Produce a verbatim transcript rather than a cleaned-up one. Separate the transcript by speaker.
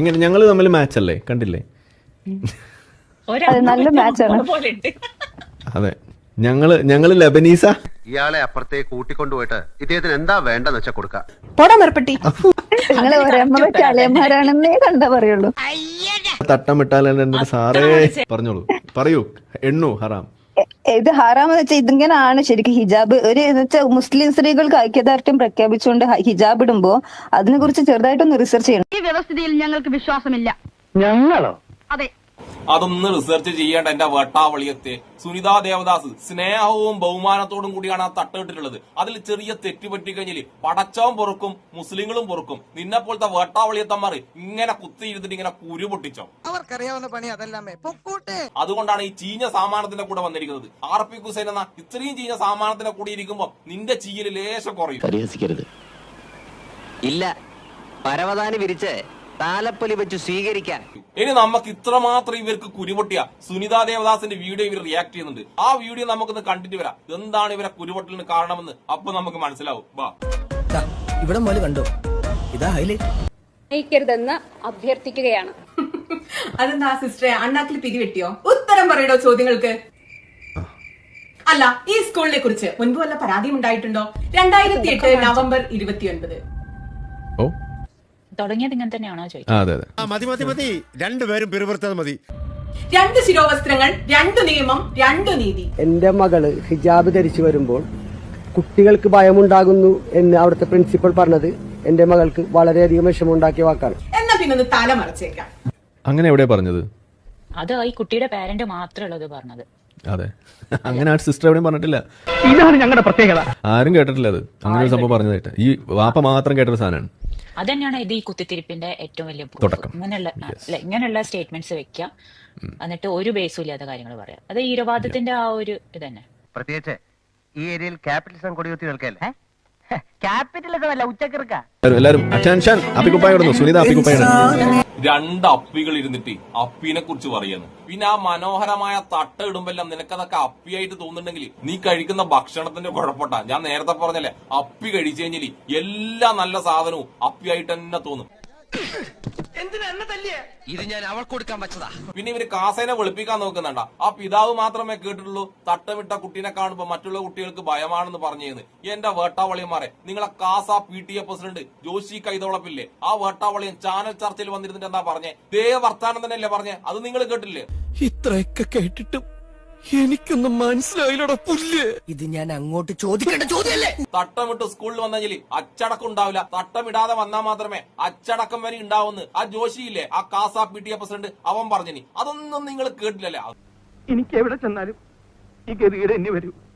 Speaker 1: എങ്ങനെ ഞങ്ങൾ തമ്മിൽ മാച്ച് അല്ലേ? കണ്ടില്ലേ?
Speaker 2: നല്ല മാച്ചാണ്.
Speaker 1: അതെ, ഞങ്ങള് ഞങ്ങള് ലബനീസ.
Speaker 3: ഇയാളെ അപ്പുറത്തേക്ക് കൂട്ടിക്കൊണ്ടുപോയിട്ട് ഇദ്ദേഹത്തിന് എന്താ വേണ്ടെന്ന് വെച്ചാൽ കൊടുക്കാം.
Speaker 2: നിങ്ങൾ ഒരമ്മ അലയന്മാരാണെന്നേ കണ്ടാ പറയുള്ളൂ.
Speaker 1: തട്ടമിട്ടാലും സാറേ പറഞ്ഞോളൂ, പറയൂ. എണ്ണു ഹറാം.
Speaker 2: ഇത് ഹറാമെന്ന് വെച്ചാൽ ഇതിങ്ങനെയാണ് ശരിക്കും ഹിജാബ്. ഒരു വെച്ചാൽ മുസ്ലിം സ്ത്രീകൾക്ക് ഐക്യദാർഢ്യം പ്രഖ്യാപിച്ചുകൊണ്ട് ഹിജാബ് ഇടുമ്പോ അതിനെ കുറിച്ച് ചെറുതായിട്ടൊന്ന് റിസർച്ച് ചെയ്യണം.
Speaker 4: ഈ വ്യവസ്ഥിതിയിൽ ഞങ്ങൾക്ക് വിശ്വാസമില്ല.
Speaker 5: ഞങ്ങളോ?
Speaker 4: അതെ,
Speaker 6: അതൊന്ന് റിസർച്ച് ചെയ്യേണ്ട എന്റെ വെട്ടാവളിയത്തെ. സുനിതാ ദേവദാസ് സ്നേഹവും ബഹുമാനത്തോടും കൂടിയാണ് ആ തട്ടിട്ടുള്ളത്. അതിൽ ചെറിയ തെറ്റ് പറ്റി കഴിഞ്ഞാല് പടച്ചവും പൊറുക്കും, മുസ്ലിങ്ങളും പൊറുക്കും. നിന്നെ പോലത്തെ വേട്ടാവളിയത്തന്മാർ ഇങ്ങനെ കുത്തിയിരുന്നിട്ട് ഇങ്ങനെ കുരു പൊട്ടിച്ചോ.
Speaker 7: അവർക്കറിയാവുന്ന പണി അതല്ലാമേ.
Speaker 6: അതുകൊണ്ടാണ് ഈ ചീഞ്ഞ സാമാനത്തിന്റെ കൂടെ വന്നിരിക്കുന്നത്. ആർ പി ഹുസൈൻ എന്ന ഇത്രയും ചീഞ്ഞ സാമാനത്തിന്റെ കൂടെ ഇരിക്കുമ്പോ നിന്റെ ചീയല് ലേശം കുറയും.
Speaker 8: പരിഹസിക്കരുത്. ഇല്ല, പരവതാനി വിരിച്ച് താലപ്പൊലി വെച്ച് സ്വീകരിക്കാൻ.
Speaker 6: ഇനി നമുക്ക് ഇത്രമാത്രം ഇവർക്ക് കുരുപൊട്ടിയ സുനിതാ ദേവദാസിന്റെ വീഡിയോ ഇവർ റിയാക്ട് ചെയ്യുന്നുണ്ട്. ആ വീഡിയോ നമുക്കൊന്ന് കണ്ടിട്ട് വരാം. എന്താണ് ഇവരെ കുരുപൊട്ടലിന് കാരണമെന്ന് അപ്പൊ നമുക്ക് മനസ്സിലാവും. വാ,
Speaker 5: ഇവിടെ മോല് കണ്ടോ? ഇതാ ഹൈലൈറ്റ്.
Speaker 9: നയിക്കരുതെന്ന് അഭ്യർത്ഥിക്കുകയാണ്.
Speaker 10: അതെന്താ സിസ്റ്ററെ, അണ്ണാക്കിൽ പിരിവെട്ടിയോ? ഉത്തരം പറയടോ ചോദ്യങ്ങൾക്ക്. അല്ല, ഈ സ്കൂളിനെ കുറിച്ച് മുൻപ് വല്ല പരാതിയും ഉണ്ടായിട്ടുണ്ടോ? രണ്ടായിരത്തി എട്ട് നവംബർ ഇരുപത്തിയൊൻപത്
Speaker 9: തുടങ്ങിയത് ഇങ്ങനെ തന്നെയാണോ ചോദിക്കുന്നത്?
Speaker 11: മതി മതി മതി, രണ്ടുപേരും പിറുപിറുത്തത് മതി.
Speaker 10: രണ്ട് ശിരോവസ്ത്രങ്ങൾ, രണ്ട് നിയമം, രണ്ട് നീതി.
Speaker 5: എന്റെ മകള് ഹിജാബ് ധരിച്ചു വരുമ്പോൾ കുട്ടികൾക്ക് ഭയമുണ്ടാകുന്നു എന്ന് അവിടുത്തെ പ്രിൻസിപ്പൽ പറഞ്ഞത് എന്റെ മകൾക്ക് വളരെയധികം വിഷമമുണ്ടാക്കിയ വാക്കാണ്.
Speaker 10: എന്നാ പിന്നെ ഒന്ന് തല മറച്ചേക്കാം.
Speaker 1: അങ്ങനെ എവിടെയാ പറഞ്ഞത്?
Speaker 9: അത് ഈ കുട്ടിയുടെ പാരന്റ് മാത്രമുള്ളത് പറഞ്ഞത്.
Speaker 1: അതെ, അങ്ങനെ ആ സിസ്റ്റർ എവിടെയും പറഞ്ഞിട്ടില്ല.
Speaker 5: ഇതാണ് ഞങ്ങളുടെ പ്രത്യേകത.
Speaker 1: ആരും കേട്ടിട്ടില്ല അത്. അങ്ങനെ ഒരു സംഭവം പറഞ്ഞതായിട്ട് ഈ വാപ്പ മാത്രം കേട്ടൊരു സാധനമാണ്.
Speaker 9: അത് തന്നെയാണ് ഇത് ഈ കുത്തിത്തിരിപ്പിന്റെ ഏറ്റവും വലിയ
Speaker 1: തുടക്കം.
Speaker 9: ഇങ്ങനെയുള്ള ഇങ്ങനെയുള്ള സ്റ്റേറ്റ്മെന്റ്സ് വെക്കാം, എന്നിട്ട് ഒരു ബേസും ഇല്ലാത്ത കാര്യങ്ങൾ പറയാം. അത് ഈരവാദത്തിന്റെ ആ ഒരു ഇത് തന്നെ.
Speaker 7: പ്രത്യേകിച്ച് ഈ ഏരിയയിൽ ക്യാപിറ്റലിസം കൊടികുത്തി നിൽക്കല്ലേ. ക്യാപിറ്റലിസം അല്ല, ഉച്ചക്കിറക്ക.
Speaker 1: എല്ലാരും അറ്റൻഷൻ. അപ്പിക്കുപ്പായ ഇടുന്നു. സുനിത അപ്പിക്കുപ്പായാണ്.
Speaker 6: രണ്ട് അപ്പികൾ ഇരുന്നിട്ട് അപ്പീനെ കുറിച്ച് പറയുന്നു. പിന്നെ ആ മനോഹരമായ തട്ട ഇടുമ്പെല്ലാം നിനക്കതൊക്കെ അപ്പിയായിട്ട് തോന്നുന്നുണ്ടെങ്കിൽ നീ കഴിക്കുന്ന ഭക്ഷണത്തിന്റെ കുഴപ്പട്ടാ. ഞാൻ നേരത്തെ പറഞ്ഞല്ലേ, അപ്പി കഴിച്ചു കഴിഞ്ഞാൽ എല്ലാ നല്ല സാധനവും അപ്പിയായിട്ട് തന്നെ തോന്നും.
Speaker 8: ഇത് ഞാൻ അവൾക്ക് കൊടുക്കാൻ വെച്ചതാ.
Speaker 6: പിന്നെ ഇവര് കാസേനെ വെളുപ്പിക്കാൻ നോക്കുന്നുണ്ട. ആ പിതാവ് മാത്രമേ കേട്ടിട്ടുള്ളൂ തട്ടമിട്ട കുട്ടീനെ കാണുമ്പോ മറ്റുള്ള കുട്ടികൾക്ക് ഭയമാണെന്ന് പറഞ്ഞേന്ന്. എന്റെ വേട്ടാവളിയന്മാരെ, നിങ്ങളെ CASA P T A president Joshi കൈതോളപ്പില്ലേ, ആ വേട്ടാവളിയൻ ചാനൽ ചർച്ചയിൽ വന്നിരുന്നിട്ട് എന്താ പറഞ്ഞേ? ദേ വർത്താനം തന്നെയല്ലേ പറഞ്ഞേ? അത് നിങ്ങൾ കേട്ടില്ലേ?
Speaker 5: ഇത്രയൊക്കെ കേട്ടിട്ടും എനിക്കൊന്നും മനസ്സിലായില്ലടാ പുല്ല്. ഇത് ഞാൻ അങ്ങോട്ട് ചോദിക്കേണ്ട ചോദ്യമല്ലേ?
Speaker 6: തട്ടമിട്ട് സ്കൂളിൽ വന്നെങ്കിൽ അച്ചടക്കം ഉണ്ടാവില്ല. തട്ടമിടാതെ വന്നാൽ മാത്രമേ അച്ചടക്കം വരെ ഉണ്ടാവുന്ന് ആ ജോഷിയില്ലേ, ആ CASA P T A president, അവൻ പറഞ്ഞിനി. അതൊന്നും നിങ്ങൾ കേട്ടില്ലല്ലേ?
Speaker 5: എനിക്ക് എവിടെ ചെന്നാലും ഈ ഗതികേട് എന്നെ വരൂ.